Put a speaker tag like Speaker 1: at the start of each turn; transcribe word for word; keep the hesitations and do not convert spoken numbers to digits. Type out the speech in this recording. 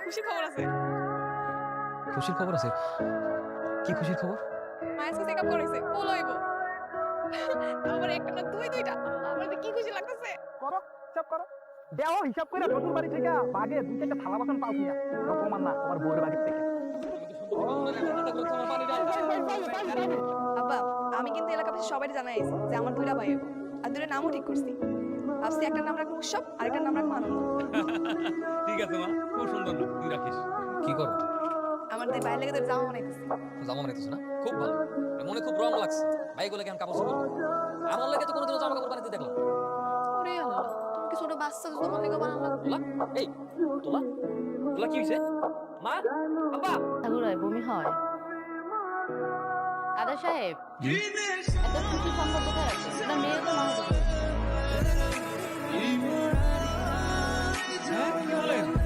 Speaker 1: খুশির খবর আছে।
Speaker 2: খুশির খবর আছে? কি খুশির খবর?
Speaker 1: মায়ের সাথে চেকআপ করাইছে, পোল হইব। আমার একটা না দুই দুইটা। আমার যে কি খুশি লাগতেছে।
Speaker 3: করো হিসাব করো দেও হিসাব করে নতুন বাড়ি থেকে বাগে দুই চারটা থালা বাসন পাও কিনা তোমার না তোমার বউয়ের বাড়ি থেকে
Speaker 1: আব্বা আমি কিন্তু এলাকাবাসী সবাই জানাইছি যে আমার দুইটা ভাই হইব। আর দুইটা নামও ঠিক করছি। ভাবছি একটার নাম রাখবো উৎসব আর একটার নাম রাখবো আনন্দ।
Speaker 4: ঠিক আছে মা, খুব সুন্দর না, তুই রাখিস।
Speaker 2: কি করো?
Speaker 1: আমার দুই ভাইয়ের লেগে তোর জামা বানাইতেছি।
Speaker 2: জামা বানাইতেছো না? খুব ভালো, মনে খুব রং লাগছে। ভাইগুলো কেমন কাপড় চোপড় করে? আমার লাগে তো কোনোদিনও জামা কাপড় বানাইতে দেখলাম না।
Speaker 1: ওরে আল্লাহ, তুমি কি ছোট বাচ্চা যে তোমার লেগে বানানো লাগবে?
Speaker 2: তোলা এই তোলা তোলা কি হয়েছে? মা আব্বা
Speaker 5: ঠাকুরায় বমি হয়। দাদা সাহেব, এত খুশি সংবাদ কোথায় আছে? আপনার মেয়ে তো মারা গেছে।
Speaker 4: হ্যাঁ কি বলেন?